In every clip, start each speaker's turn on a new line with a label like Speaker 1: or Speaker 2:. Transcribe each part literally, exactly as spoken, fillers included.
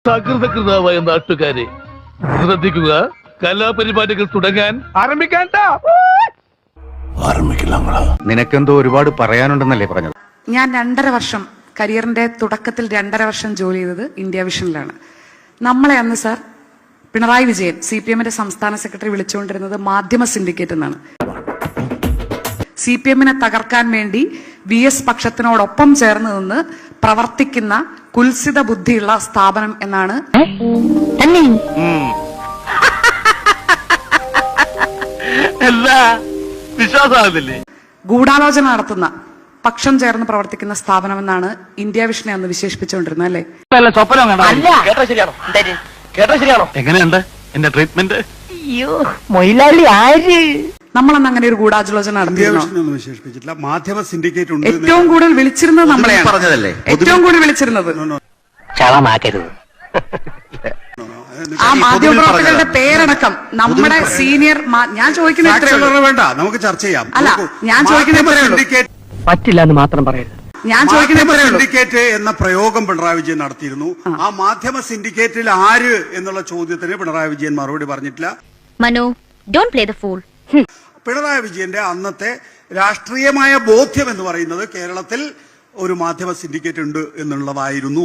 Speaker 1: സകൃതകൃതാവായ നാട്ടുകാരെ ശ്രദ്ധിക്കുക, കലാപരിപാടികൾ തുടങ്ങാൻ ആരംഭിക്കാൻ.
Speaker 2: നിനക്കെന്തോ ഒരുപാട് പറയാനുണ്ടെന്നല്ലേ പറഞ്ഞത്?
Speaker 3: ഞാൻ രണ്ടര വർഷം കരിയറിന്റെ തുടക്കത്തിൽ രണ്ടര വർഷം ജോലി ചെയ്തത് ഇന്ത്യ വിഷനിലാണ്. നമ്മളെ അന്ന് sir Pinarayi Vijayan C P എമ്മിന്റെ സംസ്ഥാന സെക്രട്ടറി വിളിച്ചുകൊണ്ടിരുന്നത് മാധ്യമ സിൻഡിക്കേറ്റ് എന്നാണ്. സി പി എമ്മിനെ തകർക്കാൻ വേണ്ടി വി എസ് പക്ഷത്തിനോടൊപ്പം ചേർന്ന് നിന്ന് പ്രവർത്തിക്കുന്ന കുൽസിത ബുദ്ധിയുള്ള സ്ഥാപനം എന്നാണ്. ഗൂഢാലോചന നടത്തുന്ന പക്ഷം ചേർന്ന് പ്രവർത്തിക്കുന്ന സ്ഥാപനം എന്നാണ് ഇന്ത്യ വിഷനെ അന്ന് വിശേഷിപ്പിച്ചുകൊണ്ടിരുന്നത്. അല്ലേ?
Speaker 1: എങ്ങനെയുണ്ട് എന്റെ ട്രീറ്റ്മെന്റ്?
Speaker 3: നമ്മളന്ന് അങ്ങനെ ഒരു ഗൂഢാലോചന നടത്തിയിരുന്നു.
Speaker 4: വിശേഷിപ്പിച്ചിട്ടില്ല. മാധ്യമ സിൻഡിക്കേറ്റ് ഉണ്ട്.
Speaker 3: ഏറ്റവും കൂടുതൽ വിളിച്ചിരുന്നത് നമ്മളെയാണ്.
Speaker 2: പറഞ്ഞതല്ലേ
Speaker 3: ഏറ്റവും കൂടുതൽ വിളിച്ചിരുന്നത്. ആ മാധ്യമപ്രവർത്തകരുടെ പേരടക്കം നമ്മുടെ സീനിയർ. ഞാൻ ചോദിക്കുന്നത്
Speaker 4: വേണ്ട, നമുക്ക് ചർച്ച ചെയ്യാം.
Speaker 3: അല്ല, ഞാൻ ചോദിക്കുന്നത്
Speaker 5: പറ്റില്ല എന്ന് മാത്രം പറയരുത്.
Speaker 3: ഞാൻ ചോദിക്കുന്നത്
Speaker 4: സിൻഡിക്കേറ്റ് എന്ന പ്രയോഗം പിണറായി വിജയൻ നടത്തിയിരുന്നു. ആ മാധ്യമ സിൻഡിക്കേറ്റിൽ ആര് എന്നുള്ള ചോദ്യത്തിന് പിണറായി വിജയൻ മറുപടി പറഞ്ഞിട്ടില്ല.
Speaker 6: Manu, don't play the fool.
Speaker 4: Pinarayi വിജയന്റെ അന്നത്തെ രാഷ്ട്രീയമായ ബോധ്യം എന്ന് പറയുന്നത് കേരളത്തിൽ ഒരു മാധ്യമ സിൻഡിക്കേറ്റ് ഉണ്ട് എന്നുള്ളതായിരുന്നു.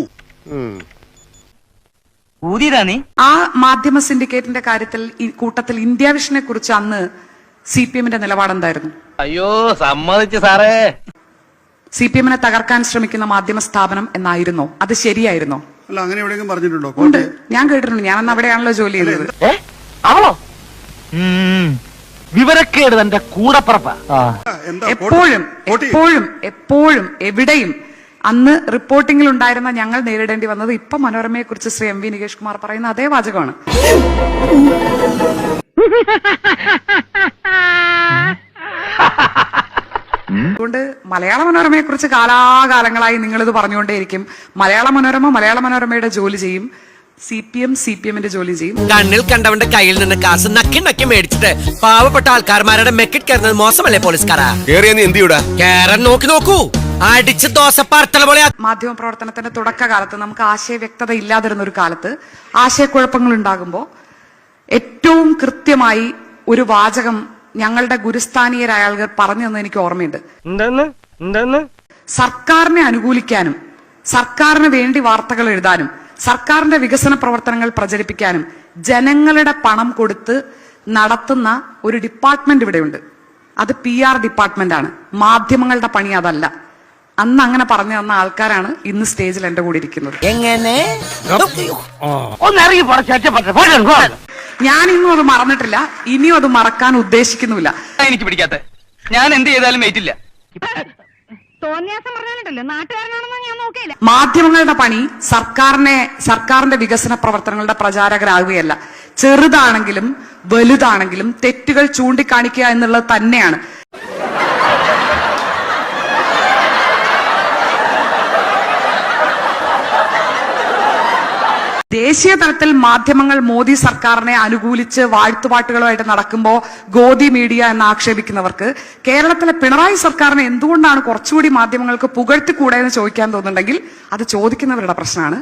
Speaker 3: ആ മാധ്യമ സിൻഡിക്കേറ്റിന്റെ കാര്യത്തിൽ ഈ കൂട്ടത്തിൽ ഇന്ത്യ വിഷനെ കുറിച്ച് അന്ന് സി പി എമ്മിന്റെ നിലപാടെന്തായിരുന്നു?
Speaker 1: അയ്യോ, സമ്മതിച്ചു സാറേ.
Speaker 3: സി പി എമ്മിനെ തകർക്കാൻ ശ്രമിക്കുന്ന മാധ്യമ സ്ഥാപനം എന്നായിരുന്നോ? അത് ശരിയായിരുന്നോ?
Speaker 4: അല്ല, അങ്ങനെ എവിടെയെങ്കിലും പറഞ്ഞിട്ടുണ്ടോ?
Speaker 3: ഉണ്ട്, ഞാൻ കേട്ടിട്ടുണ്ട്. ഞാൻ അന്ന് അവിടെയാണല്ലോ ജോലി ചെയ്തത്.
Speaker 5: അവളോ വിവരക്കേട് തന്റെ കൂടപ്പറപ്പ.
Speaker 3: എപ്പോഴും എപ്പോഴും എപ്പോഴും എവിടെയും അന്ന് റിപ്പോർട്ടിംഗിൽ ഉണ്ടായിരുന്ന ഞങ്ങൾ നേരിടേണ്ടി വന്നത് ഇപ്പൊ മനോരമയെ കുറിച്ച് ശ്രീ എം വി നികേഷ് കുമാർ പറയുന്ന അതേ വാചകമാണ്. അതുകൊണ്ട് മലയാള മനോരമയെ കുറിച്ച് കാലാകാലങ്ങളായി നിങ്ങളിത് പറഞ്ഞുകൊണ്ടേയിരിക്കും. മലയാള മനോരമ മലയാള മനോരമയുടെ ജോലി ചെയ്യും, C P M C P എമ്മിന്റെ ജോലി ചെയ്യും.
Speaker 7: കണ്ണിൽ കണ്ടവന്റെ കയ്യിൽ നിന്ന് കാശ് നക്കി നക്കി മേടിച്ചിട്ട് പാവപ്പെട്ട ആൾക്കാർമാരുടെ മെക്കിട്ട് കയറുന്നത് മോശമല്ലേ പോലീസുകാരാ? കേറാൻ നോക്കി നോക്കൂ, അടിച്ച് ദോശ പാർത്തല പോലെ.
Speaker 3: മാധ്യമ പ്രവർത്തനത്തിന്റെ തുടക്കകാലത്ത് നമുക്ക് ആശയ വ്യക്തത ഇല്ലാതിരുന്ന ഒരു കാലത്ത് ആശയക്കുഴപ്പങ്ങൾ ഉണ്ടാകുമ്പോൾ ഏറ്റവും കൃത്യമായി ഒരു വാചകം ഞങ്ങളുടെ ഗുരുസ്ഥാനീയരായ ആളുകൾ പറഞ്ഞു തന്നെ എനിക്ക് ഓർമ്മയുണ്ട്. സർക്കാരിനെ അനുകൂലിക്കാനും സർക്കാരിന് വേണ്ടി വാർത്തകൾ എഴുതാനും സർക്കാരിന്റെ വികസന പ്രവർത്തനങ്ങൾ പ്രചരിപ്പിക്കാനും ജനങ്ങളുടെ പണം കൊടുത്ത് നടത്തുന്ന ഒരു ഡിപ്പാർട്ട്മെന്റ് ഇവിടെയുണ്ട്. അത് പി ആർ ഡിപ്പാർട്ട്മെന്റ് ആണ്. മാധ്യമങ്ങളുടെ പണി അതല്ല. അന്ന് അങ്ങനെ പറഞ്ഞു തന്ന ആൾക്കാരാണ് ഇന്ന് സ്റ്റേജിൽ എന്റെ കൂടെ ഇരിക്കുന്നത്.
Speaker 7: എങ്ങനെ
Speaker 3: ഞാൻ ഇന്നും അത് മറന്നിട്ടില്ല, ഇനിയും അത് മറക്കാൻ ഉദ്ദേശിക്കുന്നുമില്ല.
Speaker 5: എനിക്ക് പിടിക്കാത്ത ഞാൻ എന്ത് ചെയ്താലും വെയിറ്റില്ല.
Speaker 3: മാധ്യമങ്ങളുടെ പണി സർക്കാരിനെ സർക്കാരിന്റെ വികസന പ്രവർത്തനങ്ങളുടെ പ്രചാരകരാകുകയല്ല. ചെറുതാണെങ്കിലും വലുതാണെങ്കിലും തെറ്റുകൾ ചൂണ്ടിക്കാണിക്കുക എന്നുള്ളത് തന്നെയാണ്. ദേശീയ തലത്തിൽ മാധ്യമങ്ങൾ മോദി സർക്കാരിനെ അനുകൂലിച്ച് വാഴ്ത്തുപാട്ടുകളുമായിട്ട് നടക്കുമ്പോൾ ഗോദി മീഡിയ എന്ന് ആക്ഷേപിക്കുന്നവർക്ക് കേരളത്തിലെ പിണറായി സർക്കാരിനെ എന്തുകൊണ്ടാണ് കുറച്ചുകൂടി മാധ്യമങ്ങൾക്ക് പുകഴ്ത്തിക്കൂടെ എന്ന് ചോദിക്കാൻ തോന്നുന്നുണ്ടെങ്കിൽ അത് ചോദിക്കുന്നവരുടെ പ്രശ്നമാണ്.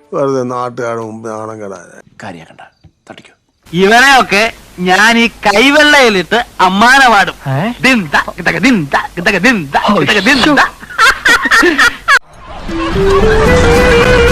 Speaker 5: ഇവരെയൊക്കെ ഞാൻ ഈ കൈവെള്ളയിലിട്ട് അമ്മാനെ പാടും. ദിന്ത